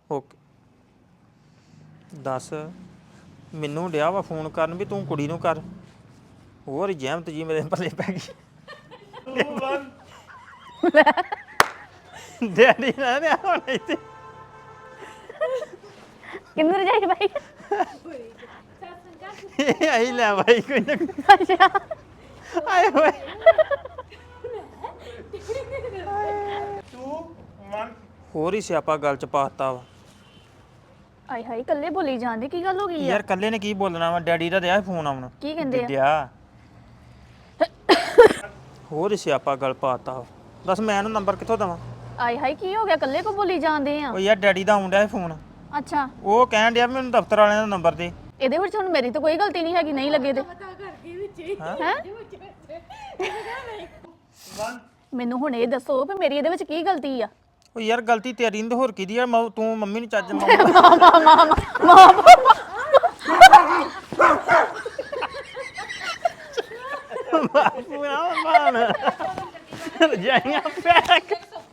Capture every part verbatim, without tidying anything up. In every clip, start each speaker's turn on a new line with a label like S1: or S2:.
S1: Okay ਦੱਸ ਮੈਨੂੰ ਡਿਆ ਵਾ ਫੋਨ ਕਰਨ ਵੀ ਤੂੰ ਕੁੜੀ ਨੂੰ ਕਰ ਹੋਰ ਜਹਿਮਤ ਜੀ ਮੇਰੇ ਪੱਲੇ ਪੈ ਗਈ ਡੈਡੀ ਨਾ ਨੇ ਹੁਣ ਇੱਥੇ
S2: ਕਿੰਨੂੰ ਰਜਾਈ ਬਾਈ
S1: ਇਹ ਆਈ ਲੈ ਬਾਈ ਕੋਈ ਨਾ
S2: ਅੱਛਾ
S1: ਆਏ ਹੋਏ ਹੋਰ ਹੀ ਸਿਆਪਾ ਗੱਲ ਚ ਪਾਤਾ ਵਾ
S2: ਆਏ ਹਾਏ ਕੱਲੇ ਬੋਲੀ ਜਾਂਦੇ ਕੀ ਗੱਲ ਹੋ ਗਈ
S1: ਯਾਰ ਕੱਲੇ ਨੇ ਕੀ ਬੋਲਣਾ ਵਾ ਡੈਡੀ ਦਾ ਦਿਆ ਫੋਨ ਆਉਣਾ
S2: ਕੀ ਕਹਿੰਦੇ ਆ
S1: ਦਿਆ ਹੋਰ ਹੀ ਸਿਆਪਾ ਗੱਲ ਪਾਤਾ ਵਾ ਦੱਸ ਮੈਂ ਇਹਨੂੰ ਨੰਬਰ ਕਿੱਥੋਂ ਦਵਾਂ
S2: ਆਏ ਹਾਏ ਕੀ ਹੋ ਗਿਆ ਕੱਲੇ ਕੋ ਬੋਲੀ ਜਾਂਦੇ ਆ
S1: ਉਹ ਯਾਰ ਡੈਡੀ ਦਾ ਆਉਣ ਡਿਆ ਫੋਨ
S2: ਅੱਛਾ
S1: ਉਹ ਕਹਿਣ ਡਿਆ ਮੈਨੂੰ ਦਫ਼ਤਰ ਵਾਲਿਆਂ ਦਾ ਨੰਬਰ ਦੇ
S2: ਇਹਦੇ ਵਿੱਚ ਹੁਣ ਮੇਰੀ ਤਾਂ ਕੋਈ ਗਲਤੀ ਨਹੀਂ ਹੈਗੀ ਨਹੀਂ ਲੱਗੇ ਤੇ ਹੈ ਮੈਨੂੰ ਹੁਣ ਇਹ ਦੱਸੋ ਵੀ ਮੇਰੀ ਇਹਦੇ ਵਿੱਚ ਕੀ ਗਲਤੀ ਆ
S1: ਉਹ ਯਾਰ ਗਲਤੀ ਤੇਰੀ ਨਹੀਂ ਤੇ ਹੋਰ ਕਿਹਦੀ ਆ ਮ- ਤੂੰ ਮੰਮੀ ਨੂੰ ਚੱਜ ਜਾਈਆਂ ਪੈਕ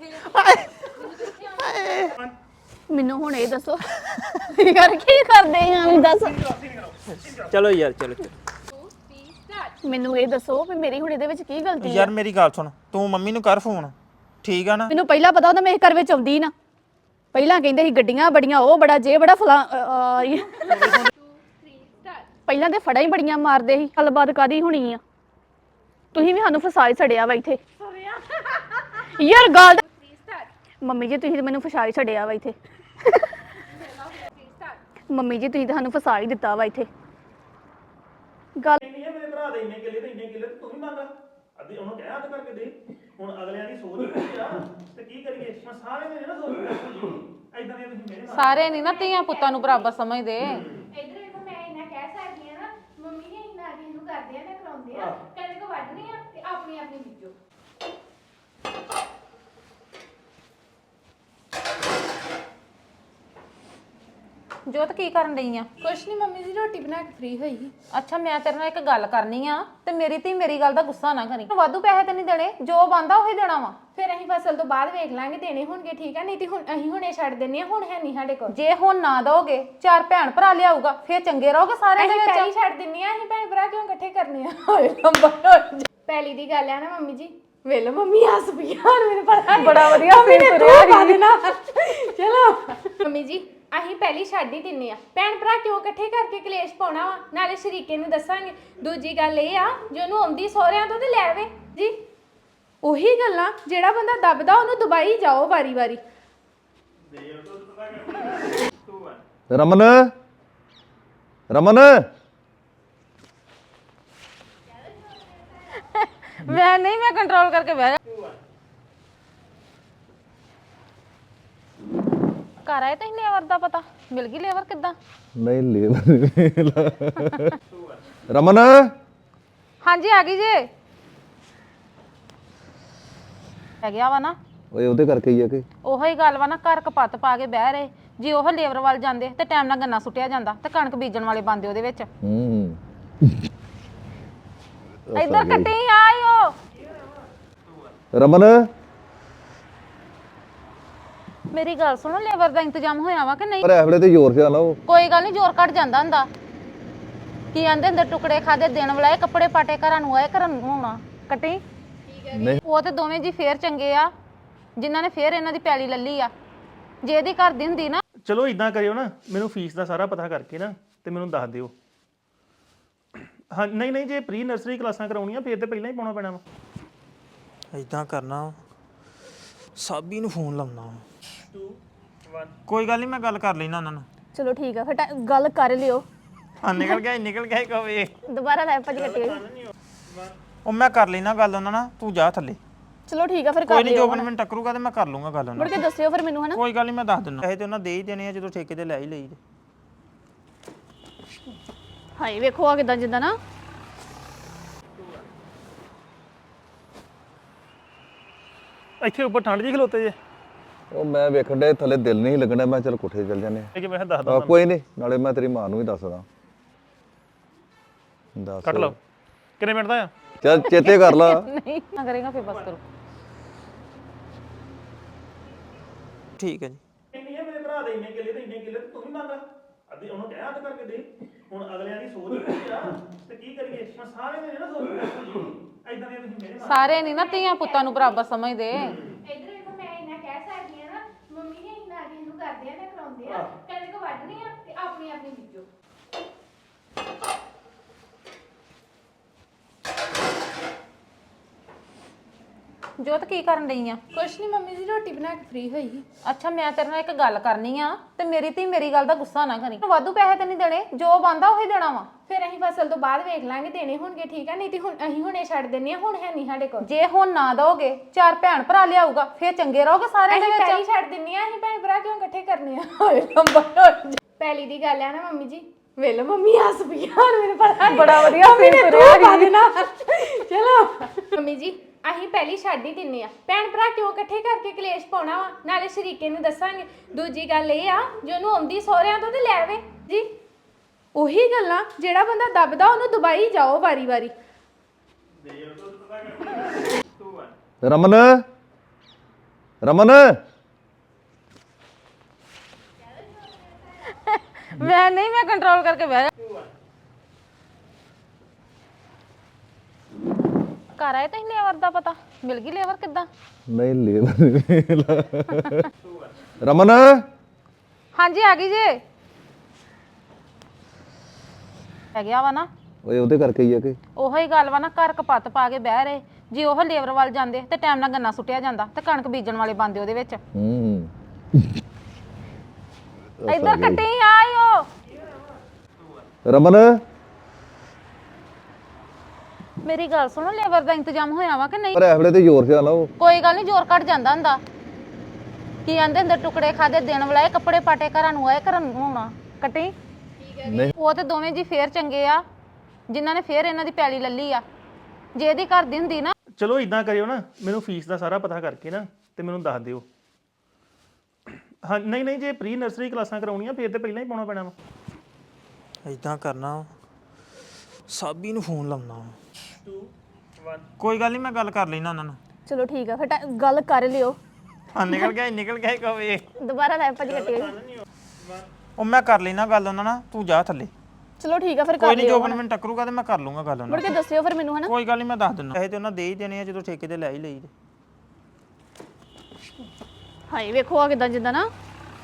S2: ਮੈਨੂੰ ਹੁਣ ਇਹ ਦੱਸੋ ਯਾਰ ਕੀ ਕਰਦੇ ਆ ਵੀ ਦੱਸ
S1: ਚਲੋ ਯਾਰ ਚਲੋ ਚਲੋ
S2: ਮੈਨੂੰ ਇਹ ਦੱਸੋ ਵੀ ਮੇਰੀ ਹੁਣ ਇਹਦੇ ਵਿੱਚ ਕੀ ਗਲਤੀ ਆ
S1: ਯਾਰ ਮੇਰੀ ਗੱਲ ਸੁਣ ਤੂੰ ਮੰਮੀ ਨੂੰ ਕਰ ਫੋਨ ਠੀਕ ਆ ਨਾ
S2: ਮੈਨੂੰ ਪਹਿਲਾਂ ਪਤਾ ਹੁੰਦਾ ਮੈਂ ਇਸ ਘਰ ਵਿੱਚ ਆਉਂਦੀ ਨਾ ਪਹਿਲਾਂ ਕਹਿੰਦੇ ਸੀ ਗੱਡੀਆਂ ਬੜੀਆਂ ਉਹ ਬੜਾ ਜੇ ਬੜਾ ਫਲਾ ਅ, ਅ, ਪਹਿਲਾਂ ਤੇ ਫੜਾ ਹੀ ਬੜੀਆਂ ਮਾਰਦੇ ਸੀ ਗੱਲਬਾਤ ਕਾਦੀ ਹੋਣੀ ਆ ਤੁਸੀਂ ਵੀ ਸਾਨੂੰ ਫਸਾਈ ਛੜਿਆ ਵਾ ਇੱਥੇ ਯਾਰ ਗੱਲ ਮੰਮੀ ਜੀ ਤੁਸੀਂ ਤਾਂ ਮੈਨੂੰ ਫਸਾਈ ਛੜਿਆ ਵਾ ਇੱਥੇ ਮੰਮੀ ਜੀ ਤੁਸੀਂ ਤਾਂ ਸਾਨੂੰ ਫਸਾ ਹੀ ਦਿੱਤਾ ਵਾ ਇੱਥੇ ਗੱਲ
S3: ਨਹੀਂ ਹੈ ਮੇਰੇ ਭਰਾ ਦੇ ਇੰਨੇ ਕਿੱਲੇ ਤੇ ਇੰਨੇ ਕਿੱਲੇ ਤੇ ਤੂੰ ਵੀ ਮੰਗ ਅੱਧੀ ਉਹਨੂੰ ਕਹਿ ਹੱਥ ਕਰਕੇ ਦੇ ਹੁਣ ਅਗਲਿਆਂ ਦੀ ਸੋਚ ਕੀ ਆ ਤੇ ਕੀ ਕਰੀਏ ਮੈਂ ਸਾਰੇ ਨੇ ਨਾ ਸੋਚ ਐਦਾਂ ਦੇ ਤੁਸੀਂ ਮੇਰੇ
S4: ਸਾਰੇ ਨਹੀਂ ਨਾ ਧੀਆਂ ਪੁੱਤਾਂ ਨੂੰ ਬਰਾਬਰ ਸਮਝਦੇ
S5: ਇਧਰ ਦੇਖੋ ਮੈਂ ਇੰਨਾ ਕਹਿ ਸਕਦੀ ਆ ਨਾ ਮੰਮੀ ਨੇ ਇੰਨਾ ਜੀ ਨੂੰ ਕਰਦੇ ਆ ਨਾ ਕਰਾਉਂਦੇ ਆ ਕਦੇ ਕੋ ਵੱਢਣੀ ਆ ਤੇ ਆਪਣੀ ਆਪਣੀ ਬੀਜੋ
S4: ਜੋਤ ਕੀ ਕਰਨ ਡਈ ਆ
S5: ਕੁਛ ਨਹੀਂ ਮੰਮੀ ਜੀ ਰੋਟੀ ਬਣਾ ਕੇ ਫ੍ਰੀ ਹੋਈ
S4: ਅੱਛਾ ਮੈਂ ਤੇਰੇ ਨਾਲ ਇੱਕ ਗੱਲ ਕਰਨੀ ਆ ਤੇ ਮੇਰੀ ਧੀ ਮੇਰੀ ਗੱਲ ਦਾ ਗੁੱਸਾ ਨਾ ਕਰੀ ਵਾਧੂ ਪੈਸੇ ਤੇ ਨਹੀਂ ਦੇਣੇ ਜੋ ਬੰਦਾ ਉਹੀ ਦੇਣਾ ਵਾ
S5: ਫਿਰ ਅਸੀਂ ਫਸਲ ਤੋਂ ਬਾਅਦ ਵੇਖ ਲਾਂਗੇ ਦੇਣੇ ਹੋਣਗੇ ਠੀਕ ਆ ਨਹੀਂ ਤੇ ਹੁਣ ਅਸੀਂ ਹੁਣੇ ਛੱਡ ਦਿੰਨੇ ਆ ਹੁਣ ਹੈ ਨਹੀਂ ਸਾਡੇ ਕੋਲ
S4: ਜੇ ਹੁਣ ਨਾ ਦੋਗੇ ਚਾਰ ਭੈਣ ਭਰਾ ਲਿਆਊਗਾ ਫੇਰ ਚੰਗੇ ਰਹੋਗੇ ਸਾਰਿਆਂ ਦੇ
S5: ਅਸੀਂ
S4: ਵਿੱਚ
S5: ਪਹਿਲੀ ਛੱਡ ਦਿੰਨੇ ਆ ਅਸੀਂ ਭੈਣ ਭਰਾ ਕਿਉਂ ਇਕੱਠੇ ਕਰਨੇ ਆ ਹੋਏ ਲੰਬਾ ਪਹਿਲੀ ਦੀ ਗੱਲ ਆ ਨਾ ਮੰਮੀ ਜੀ ਵੇਲੇ ਮੰਮੀ ਹੱਸ ਪਈ ਹੁਣ ਮੈਨੂੰ ਪਤਾ
S4: ਬੜਾ ਵਧੀਆ
S5: ਮੰਮੀ ਨੇ
S4: ਫੇਰ
S5: ਦੋ ਪਾ ਦੇਣਾ ਚਲੋ ਮੰਮੀ ਜੀ ਅਸੀਂ ਪਹਿਲੀ ਛੱਡ ਹੀ ਦਿੰਨੇ ਆ ਭੈਣ ਭਰਾ ਕਿਉਂ ਇਕੱਠੇ ਕਰਕੇ ਕਲੇਸ਼ ਪਾਉਣਾ ਵਾ ਨਾਲੇ ਸ਼ਰੀਕੇ ਨੂੰ ਦੱਸਾਂਗੇ ਦੂਜੀ ਗੱਲ ਇਹ ਆ ਜੇ ਉਹਨੂੰ ਆਉਂਦੀ ਸਹੁਰਿਆਂ ਤੋਂ ਤੇ ਲੈ ਆਵੇ ਜੀ ਉਹੀ ਗੱਲਾਂ ਜਿਹੜਾ ਬੰਦਾ ਦੱਬਦਾ ਉਹਨੂੰ ਦਬਾਈ ਜਾਓ ਵਾਰੀ ਵਾਰੀ
S6: ਰਮਨ ਰਮਨ
S4: ਮੈਂ ਨਹੀਂ ਮੈਂ ਕੰਟਰੋਲ ਕਰਕੇ ਬਹਿ ਜਾ ਘਰ ਆਏ ਤਾਂ ਲੇਵਰ ਦਾ ਪਤਾ ਮਿਲ ਗਈ ਲੇਵਰ ਕਿੱਦਾਂ
S6: ਨਹੀਂ ਲੈ ਰਮਨ
S4: ਹਾਂਜੀ ਆ ਗਈ ਜੇ ਆ ਗਿਆ ਵਾ ਨਾ
S6: ਓਏ ਉਹਦੇ ਕਰਕੇ ਹੀ ਆ ਕਿ
S4: ਉਹੋ ਹੀ ਗੱਲ ਵਾ ਨਾ ਘਰ ਕਪੱਤ ਪਾ ਕੇ ਬਹਿ ਰਹੇ ਜੇ ਉਹ ਲੇਬਰ ਵੱਲ ਜਾਂਦੇ ਤੇ ਟਾਈਮ ਨਾਲ ਗੰਨਾ ਸੁੱਟਿਆ ਜਾਂਦਾ ਤੇ ਕਣਕ ਬੀਜਣ ਵਾਲੇ ਬੰਦੇ ਉਹਦੇ ਵਿੱਚ
S6: ਹੂੰ
S4: ਇੱਧਰ ਕੱਟੀ ਆਇਓ
S6: ਰਮਨ
S4: ਮੇਰੀ ਗੱਲ ਸੁਣੋ ਲੇਬਰ ਦਾ ਇੰਤਜ਼ਾਮ ਹੋਇਆ ਵਾ ਕਿ ਨਹੀਂ
S6: ਪਰ ਇਹ ਵੇਲੇ ਤੇ ਜ਼ੋਰ ਸਿਆ ਲਾਓ
S4: ਕੋਈ ਗੱਲ ਨਹੀਂ ਜ਼ੋਰ ਘਟ ਜਾਂਦਾ ਹੁੰਦਾ ਕੀ ਆਂਦੇ ਹੁੰਦੇ ਟੁਕੜੇ ਖਾਦੇ ਦੇਣ ਵਾਲਾ ਕੱਪੜੇ ਪਾਟੇ ਘਰਾਂ ਨੂੰ ਆਏ ਘਰਾਂ ਨੂੰ ਆਉਣਾ ਕੱਟੀ
S6: ਨਹੀਂ
S4: ਉਹ ਤੇ ਦੋਵੇਂ ਜੀ ਫੇਰ ਚੰਗੇ ਆ ਜਿਨ੍ਹਾਂ ਨੇ ਫੇਰ ਇਹਨਾਂ ਦੀ ਪੈਲੀ ਲੱਲੀ ਆ ਜੇ ਇਹਦੀ ਘਰ ਦੀ ਹੁੰਦੀ ਨਾ
S3: ਚਲੋ ਇਦਾਂ ਕਰਿਓ ਨਾ ਮੈਨੂੰ ਫੀਸ ਦਾ ਸਾਰਾ ਪਤਾ ਕਰਕੇ ਨਾ ਤੇ ਮੈਨੂੰ ਦੱਸ ਦਿਓ ਹਾਂ ਨਹੀਂ ਨਹੀਂ ਜੇ ਪ੍ਰੀ ਨਰਸਰੀ ਕਲਾਸਾਂ ਕਰਾਉਣੀਆਂ ਫੇਰ ਤੇ ਪਹਿਲਾਂ ਹੀ ਪਾਉਣਾ ਪੈਣਾ ਵਾ
S1: ਇਦਾਂ ਕਰਨਾ ਸਾਬੀ ਨੂੰ ਫੋਨ ਲਾਉਣਾ ਕੋਈ ਗੱਲ ਨਹੀਂ ਮੈਂ ਗੱਲ ਕਰ ਲੈਣਾ ਉਹਨਾਂ ਨਾਲ
S2: ਚਲੋ ਠੀਕ ਆ ਫਿਰ ਟਾ- ਗੱਲ ਕਰ ਲਿਓ
S1: ਹਾਂ ਨਿਕਲ ਗਿਆ ਨਿਕਲ ਗਿਆ ਕਵੇ
S2: ਦੁਬਾਰਾ ਲੈ ਭੱਜ ਕੱਟਿਓ
S1: ਉਹ ਮੈਂ ਕਰ ਲੈਣਾ ਗੱਲ ਉਹਨਾਂ ਨਾਲ ਤੂੰ ਜਾ ਥੱਲੇ
S2: ਚਲੋ ਠੀਕ ਆ ਫਿਰ
S1: ਕੋਈ
S2: ਕਰ
S1: ਨਹੀਂ
S2: ਲਿਓ
S1: ਜੋ ਮੈਨੂੰ ਟੱਕਰੂਗਾ ਤੇ ਮੈਂ ਕਰ ਲੂੰਗਾ ਗੱਲ ਉਹਨਾਂ
S2: ਮੁੜ ਕੇ ਦੱਸਿਓ ਫਿਰ ਮੈਨੂੰ ਹਨਾ
S1: ਨਾਲ ਕੋਈ ਗੱਲ ਨਹੀਂ ਮੈਂ ਦੱਸ ਦਿੰਦਾ ਇਹ ਤੇ ਉਹਨਾਂ ਦੇ ਹੀ ਦੇਣੇ ਆ ਜਦੋਂ ਠੇਕੇ ਤੇ ਲੈ ਹੀ ਲਈ ਤੇ
S2: ਹਾਏ ਵੇਖੋ ਆ ਕਿਦਾਂ ਜਿੱਦਾਂ ਨਾ
S3: ਇੱਥੇ ਉੱਪਰ ਠੰਡ ਜੀ ਖਲੋਤੇ ਜੇ
S6: ਉਹ ਮੈਂ ਵੇਖਣ ਦੇ ਥੱਲੇ ਦਿਲ ਨਹੀਂ ਲੱਗਣਾ ਮੈਂ ਚੱਲ ਕੋਠੇ ਚੱਲ ਜਾਂਦੇ
S3: ਇਹ ਕਿ ਮੈਂ ਕਿਹਾ ਦੱਸ
S6: ਆ ਕੋਈ ਨਹੀਂ ਨਾਲੇ ਮੈਂ ਤੇਰੀ ਮਾਂ ਨੂੰ ਵੀ ਦੱਸਦਾ ਦੱਸ
S3: ਕੱਟ ਲਓ ਕਿੰਨੇ ਮਿੰਟ ਦਾ ਆ
S6: ਚੱਲ ਚੇਤੇ ਕਰ ਲਾ
S4: ਨਹੀਂ ਨਾ ਕਰੇਗਾ ਫੇਰ ਬਸ ਕਰੋ
S1: ਠੀਕ ਹੈ ਜੀ
S3: ਨਹੀਂ ਹੈ ਮੇਰੇ ਭਰਾ ਭਰਾ ਦੇ ਇੰਨੇ ਕਿੱਲੇ ਤੇ ਇੰਨੇ ਕਿੱਲੇ ਤੇ ਤੂੰ ਵੀ ਮੰਗ ਅੱਧੀ ਉਹਨੂੰ ਕਹਿ ਹੱਥ ਕਰਕੇ ਦੇ ਹੁਣ ਅਗਲਿਆਂ ਦੀ ਸੋਚ ਕੀ ਆ ਤੇ ਕੀ ਕਰੀਏ ਮੈਂ ਸਾਰੇ ਨੇ ਨਾ ਸੋਚ ਐਦਾਂ ਦੇ ਤੁਸੀਂ ਮੇਰੇ
S4: ਸਾਰੇ ਨਹੀਂ ਨਾ ਧੀਆਂ ਪੁੱਤਾਂ ਨੂੰ ਬਰਾਬਰ ਸਮਝਦੇ।
S5: ਇਧਰ ਵੇਖੋ ਮੈਂ ਇੰਨਾ ਕਹਿ ਸਕਦੀ ਆ ਨਾ ਮੰਮੀ ਨੇ ਇੰਨਾ ਕਿਸੇ ਨੂੰ ਕਰਦੇ ਆ ਨਾ ਕਰਾਉਂਦੇ ਆ ਕਣਕ ਵੱਢਣੀ ਆ ਤੇ ਆਪਣੀ ਆਪਣੀ ਬੀਜੋ।
S4: ਜੋਤ ਕੀ ਕਰਨ ਡਈ ਆ?
S5: ਕੁਛ ਨਹੀਂ ਮੰਮੀ ਜੀ ਰੋਟੀ ਬਣਾ ਕੇ ਫ੍ਰੀ ਹੋਈ ਸੀ।
S4: ਅੱਛਾ ਮੈਂ ਤੇਰੇ ਨਾਲ ਇੱਕ ਗੱਲ ਕਰਨੀ ਆ ਤੇ ਮੇਰੀ ਧੀ ਮੇਰੀ ਗੱਲ ਦਾ ਗੁੱਸਾ ਨਾ ਕਰੀ। ਵਾਧੂ ਪੈਸੇ ਤੇ ਨਹੀਂ ਦੇਣੇ, ਜੋ ਬੰਦਾ ਉਹੀ ਦੇਣਾ ਵਾ।
S5: ਫਿਰ ਅਸੀਂ ਫਸਲ ਤੋਂ ਬਾਅਦ ਵੇਖ ਲਾਂਗੇ ਦੇਣੇ ਹੋਣਗੇ ਠੀਕ ਆ ਨਹੀਂ ਤੇ ਹੁਣ ਅਸੀਂ ਹੁਣੇ ਛੱਡ ਦਿੰਨੇ ਆ ਹੁਣ ਹੈ ਨਹੀਂ ਸਾਡੇ ਕੋਲ।
S4: ਜੇ ਹੁਣ ਨਾ ਦੋਗੇ ਚਾਰ ਭੈਣ ਭਰਾ ਲਿਆਊਗਾ ਫੇਰ ਚੰਗੇ ਰਹੋਗੇ ਸਾਰੇ ਦੇ
S5: ਅਸੀਂ
S4: ਵਿੱਚ।
S5: ਪਹਿਲੀ ਛੱਡ ਦਿੰਨੇ ਆ ਅਸੀਂ ਭੈਣ ਭਰਾ ਕਿਉਂ ਇਕੱਠੇ ਕਰਨੇ ਆ? ਪਹਿਲੀ ਦੀ ਗੱਲ ਆ ਨਾ ਮੰਮੀ ਜੀ ਵੇਲ ਮੰਮੀ ਹੱਸ ਪਈ ਹੁਣ ਮੈਨੂੰ ਪਤਾ ਨੀ।
S4: ਬੜਾ ਵਧੀਆ
S5: ਮੰਮੀ ਨੇ
S4: ਫੇਰ
S5: ਤੂੰ
S4: ਤੁਰਿਆ
S5: ਪਾ ਦੇਣਾ। ਚਲੋ ਮੰਮੀ ਜੀ ਅਸੀਂ ਪਹਿਲੀ ਛੱਡ ਹੀ ਦਿੰਨੇ ਆ ਭੈਣ ਭਰਾ ਕਿਉਂ ਇਕੱਠੇ ਕਰਕੇ ਕਲੇਸ਼ ਪਾਉਣਾ ਵਾ ਨਾਲੇ ਸ਼ਰੀਕੇ ਨੂੰ ਦੱਸਾਂਗੇ। ਦੂਜੀ ਗੱਲ ਇਹ ਆ ਜੇ ਉਹਨੂੰ ਆਉਂਦੀ ਸਹੁਰਿਆਂ ਤੋਂ ਤੇ ਲੈ ਆਵੇ ਜੀ। ਉਹੀ ਗੱਲਾਂ ਜਿਹੜਾ ਬੰਦਾ ਦੱਬਦਾ ਉਹਨੂੰ ਦਬਾਈ ਜਾਓ ਵਾਰੀ ਵਾਰੀ।
S6: ਰਮਨ ਰਮਨ
S4: ਮੈਂ ਨਹੀਂ ਮੈਂ ਕੰਟਰੋਲ ਕਰਕੇ ਬਹਿ ਜਾ। ਘਰ ਆਏ ਤੈਨੂੰ ਲੇਵਰ ਦਾ ਪਤਾ ਮਿਲ ਗਈ? ਲੇਵਰ ਕਿੱਦਾਂ?
S6: ਨਹੀਂ ਲੈ ਰਮਨ
S4: ਹਾਂਜੀ ਆ ਗਈ ਜੇ। ਹੈ ਗਿਆ ਵਾ ਨਾ
S6: ਓਏ ਉਹਦੇ ਕਰਕੇ ਹੀ ਆ ਕਿ
S4: ਉਹੋ ਹੀ ਗੱਲ ਵਾ ਨਾ ਘਰ ਕਪੱਤ ਪਾ ਕੇ ਬਹਿ ਰਹੇ। ਜੇ ਉਹ ਲੇਬਰ ਵੱਲ ਜਾਂਦੇ ਤੇ ਟਾਈਮ ਨਾਲ ਗੰਨਾ ਸੁੱਟਿਆ ਜਾਂਦਾ ਤੇ ਕਣਕ ਬੀਜਣ ਵਾਲੇ ਬੰਦੇ ਉਹਦੇ ਵਿੱਚ।
S6: ਹੂੰ
S4: ਇੱਧਰ ਕੱਟੀ ਆਇਓ।
S6: ਰਮਨ
S4: ਮੇਰੀ ਗੱਲ ਸੁਣੋ ਲੇਬਰ ਦਾ ਇੰਤਜ਼ਾਮ ਹੋਇਆ ਵਾ ਕਿ ਨਹੀਂ?
S6: ਪਰ ਇਹ ਵੇਲੇ ਤੇ ਜ਼ੋਰ ਸਿਆ ਲਾਓ।
S4: ਕੋਈ ਗੱਲ ਨਹੀਂ ਜ਼ੋਰ ਘਟ ਜਾਂਦਾ ਹੁੰਦਾ। ਕੀ ਆਂਦੇ ਹੁੰਦੇ ਟੁਕੜੇ ਖਾਦੇ ਦੇਣ ਵਾਲਾ ਕੱਪੜੇ ਪਾਟੇ ਘਰਾਂ ਨੂੰ ਆਏ ਘਰਾਂ ਨੂੰ ਆਉਣਾ। ਕੱਟੀ
S6: ਨਹੀਂ
S4: ਉਹ ਤੇ ਦੋਵੇਂ ਜੀ ਫੇਰ ਚੰਗੇ ਆ ਜਿਨ੍ਹਾਂ ਨੇ ਫੇਰ ਇਹਨਾਂ ਦੀ ਪੈਲੀ ਲੱਲੀ ਆ। ਜੇ ਇਹਦੀ ਘਰ ਦੀ ਹੁੰਦੀ ਨਾ।
S3: ਚਲੋ ਇਦਾਂ ਕਰਿਓ ਨਾ ਮੈਨੂੰ ਫੀਸ ਦਾ ਸਾਰਾ ਪਤਾ ਕਰਕੇ ਨਾ ਤੇ ਮੈਨੂੰ ਦੱਸ ਦਿਓ। ਹਾਂ ਨਹੀਂ ਨਹੀਂ ਜੇ ਪ੍ਰੀ ਨਰਸਰੀ ਕਲਾਸਾਂ ਕਰਾਉਣੀਆਂ ਫਿਰ ਤੇ ਪਹਿਲਾਂ ਹੀ ਪਾਉਣਾ ਪੈਣਾ ਵਾ।
S1: ਇਦਾਂ ਕਰਨਾ ਸਾਬੀ ਨੂੰ ਫੋਨ ਲਾਉਣਾ ਕੋਈ ਗੱਲ ਨਹੀਂ ਮੈਂ ਗੱਲ ਕਰ ਲੈਣਾ ਉਹਨਾਂ ਨਾਲ।
S2: ਚਲੋ ਠੀਕ ਆ ਫਿਰ ਟਾ- ਗੱਲ ਕਰ ਲਿਓ।
S1: ਹਾਂ ਨਿਕਲ ਗਿਆ ਨਿਕਲ ਗਿਆ ਕਵੇ
S2: ਦੁਬਾਰਾ ਲੈ ਭੱਜ ਕੱਟੀ।
S1: ਉਹ ਮੈਂ ਕਰ ਲੈਣਾ ਗੱਲ ਉਹਨਾਂ ਨਾਲ ਤੂੰ ਜਾ ਥੱਲੇ।
S2: ਚਲੋ ਠੀਕ ਆ ਫਿਰ
S1: ਕੋਈ
S2: ਕਰ
S1: ਨਹੀਂ
S2: ਲਿਓ।
S1: ਜੋ ਮੈਨੂੰ ਟੱਕਰੂਗਾ ਤੇ ਮੈਂ ਕਰ ਲੂੰਗਾ ਗੱਲ ਉਹਨਾਂ
S2: ਮੁੜ
S1: ਨਾਲ।
S2: ਕੇ ਦੱਸਿਓ ਫਿਰ ਮੈਨੂੰ ਹਨਾ।
S1: ਕੋਈ ਗੱਲ ਨਹੀਂ ਮੈਂ ਦੱਸ ਦਿੰਦਾ। ਪੈਸੇ ਤੇ ਉਹਨਾਂ ਦੇ ਹੀ ਦੇਣੇ ਆ ਜਦੋਂ ਠੇਕੇ ਤੇ ਲੈ ਹੀ ਲਈ ਤੇ।
S2: ਹਾਏ ਵੇਖੋ ਆ ਕਿਦਾਂ ਜਿੱਦਾਂ ਨਾ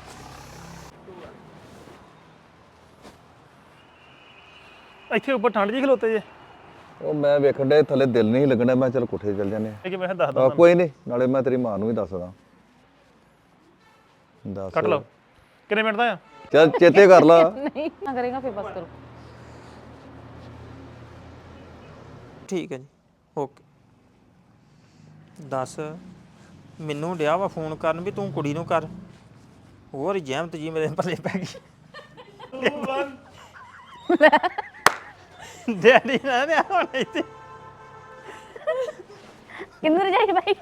S3: ਇੱਥੇ ਉੱਪਰ ਠੰਡ ਜੀ ਖਲੋਤੇ ਜੇ
S6: ਉਹ ਮੈਂ ਵੇਖਣ ਦੇ ਥੱਲੇ ਦਿਲ ਨਹੀਂ ਲੱਗਣਾ ਮੈਂ ਚੱਲ ਕੋਠੇ ਚੱਲ ਜਾਂਦੇ
S3: ਇਹ ਕਿ ਮੈਂ ਕਿਹਾ ਦੱਸ
S6: ਆ ਕੋਈ ਨਹੀਂ ਨਾਲੇ ਮੈਂ ਤੇਰੀ ਮਾਂ ਨੂੰ ਵੀ ਦੱਸਦਾ। ਦੱਸ
S3: ਕੱਟ ਲਓ ਕਿੰਨੇ ਮਿੰਟ ਦਾ ਆ?
S6: ਚੱਲ ਚੇਤੇ ਕਰ ਲਾ।
S4: ਨਹੀਂ ਨਾ ਕਰੇਗਾ ਫੇਰ ਬਸ ਕਰੋ।
S1: ਠੀਕ ਹੈ ਜੀ ਓਕੇ। ਦੱਸ ਮੈਨੂੰ ਡਿਆ ਵਾ ਫੋਨ ਕਰਨ ਵੀ ਤੂੰ ਕੁੜੀ ਨੂੰ ਕਰ। ਹੋਰ ਜਹਿਮਤ ਜੀ ਮੇਰੇ ਪੱਲੇ ਪੈ ਗਈ। ਡੈਡੀ ਨਾ ਨੇ ਹੁਣ ਇੱਥੇ
S2: ਕਿੰਨੂੰ ਰਜਾਈ ਬਾਈ।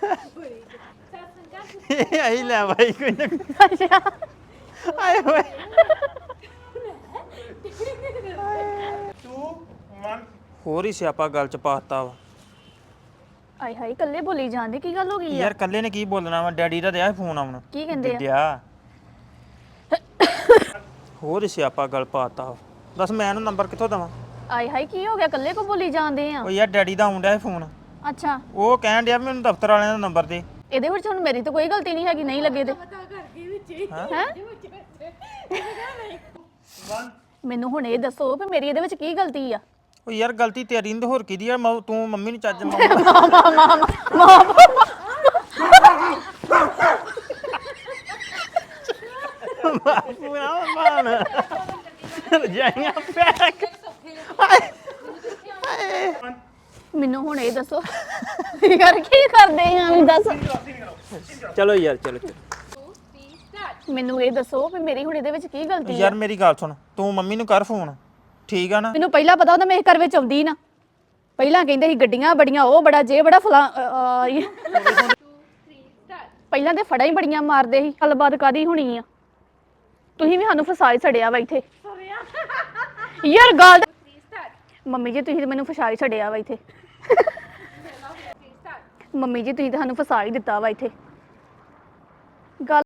S1: ਇਹ ਆਈ ਲੈ ਬਾਈ ਕੋਈ ਨਾ
S2: ਅੱਛਾ
S1: ਆਏ ਹੋਏ ਹੋਰ ਹੀ ਸਿਆਪਾ ਗੱਲ ਚ ਪਾਤਾ ਵਾ।
S2: ਆਏ ਹਾਏ ਕੱਲੇ ਬੋਲੀ ਜਾਂਦੇ ਕੀ ਗੱਲ ਹੋ ਗਈ ਆ?
S1: ਯਾਰ ਕੱਲੇ ਨੇ ਕੀ ਬੋਲਣਾ ਵਾ ਡੈਡੀ ਦਾ ਦਿਆ ਫੋਨ ਆਉਣਾ।
S2: ਕੀ ਕਹਿੰਦੇ ਆ?
S1: ਦਿਆ ਹੋਰ ਹੀ ਸਿਆਪਾ ਗੱਲ ਪਾਤਾ ਵਾ। ਦੱਸ ਮੈਂ ਇਹਨੂੰ ਨੰਬਰ ਕਿੱਥੋਂ ਦਵਾਂ?
S2: ਆਏ ਹਾਏ ਕੀ ਹੋ ਗਿਆ ਕੱਲੇ ਕੋ ਬੋਲੀ ਜਾਂਦੇ ਆ?
S1: ਉਹ ਯਾਰ ਡੈਡੀ ਦਾ ਆਉਣ ਡਿਆ ਫੋਨ।
S2: ਅੱਛਾ
S1: ਉਹ ਕਹਿਣ ਡਿਆ ਵੀ ਮੈਨੂੰ ਦਫ਼ਤਰ ਵਾਲਿਆਂ ਦਾ ਨੰਬਰ ਦੇ।
S2: ਇਹਦੇ ਵਿੱਚ ਹੁਣ ਮੇਰੀ ਤਾਂ ਕੋਈ ਗਲਤੀ ਨਹੀਂ ਹੈਗੀ ਨਹੀਂ ਲੱਗੇ ਤੇ ਹੈ। ਮੈਨੂੰ ਹੁਣ ਇਹ ਦੱਸੋ ਵੀ ਮੇਰੀ ਇਹਦੇ ਵਿੱਚ ਕੀ ਗਲਤੀ ਆ?
S1: ਉਹ ਯਾਰ ਗਲਤੀ ਤੇਰੀ ਨਹੀਂ ਤੇ ਹੋਰ ਕਿਹਦੀ ਆ? ਮ- ਤੂੰ ਮੰਮੀ ਨੂੰ ਚੱਜ ਮਾਂ ਪੂਰਾ ਮਾਨ ਜਾਈਆਂ ਪੈਕ।
S2: ਮੈਨੂੰ ਹੁਣ ਇਹ ਦੱਸੋ ਯਾਰ ਕੀ ਕਰਦੇ ਆ ਵੀ ਦੱਸ।
S1: ਚਲੋ ਯਾਰ ਚਲੋ ਚਲੋ
S2: ਮੈਨੂੰ ਇਹ ਦੱਸੋ ਵੀ ਮੇਰੀ ਹੁਣ ਇਹਦੇ ਵਿੱਚ ਕੀ ਗਲਤੀ ਆ?
S1: ਯਾਰ ਮੇਰੀ ਗੱਲ ਸੁਣ ਤੂੰ ਮੰਮੀ ਨੂੰ ਕਰ ਫੋਨ ਠੀਕ ਆ ਨਾ?
S2: ਮੈਨੂੰ ਪਹਿਲਾਂ ਪਤਾ ਹੁੰਦਾ ਮੈਂ ਇਹ ਘਰ ਵਿੱਚ ਆਉਂਦੀ ਨਾ। ਪਹਿਲਾਂ ਕਹਿੰਦੇ ਸੀ ਗੱਡੀਆਂ ਬੜੀਆਂ ਉਹ ਬੜਾ ਜੇ ਬੜਾ ਫਲਾ ਅਹ, ਇਹ। ਪਹਿਲਾਂ ਤੇ ਫੜਾ ਹੀ ਬੜੀਆਂ ਮਾਰਦੇ ਸੀ। ਗੱਲਬਾਤ ਕਾਦੀ ਹੋਣੀ ਆ? ਤੁਸੀਂ ਵੀ ਸਾਨੂੰ ਫਸਾਈ ਛੜਿਆ ਵਾ ਇੱਥੇ ਯਾਰ ਗੱਲ ਮੰਮੀ ਜੀ ਤੁਸੀਂ ਤਾਂ ਮੈਨੂੰ ਫਸਾ ਹੀ ਛੜਿਆ ਵਾ ਇੱਥੇ। ਮੰਮੀ ਜੀ ਤੁਸੀਂ ਤਾਂ ਸਾਨੂੰ ਫਸਾ ਹੀ ਦਿੱਤਾ ਵਾ ਇੱਥੇ ਗੱਲ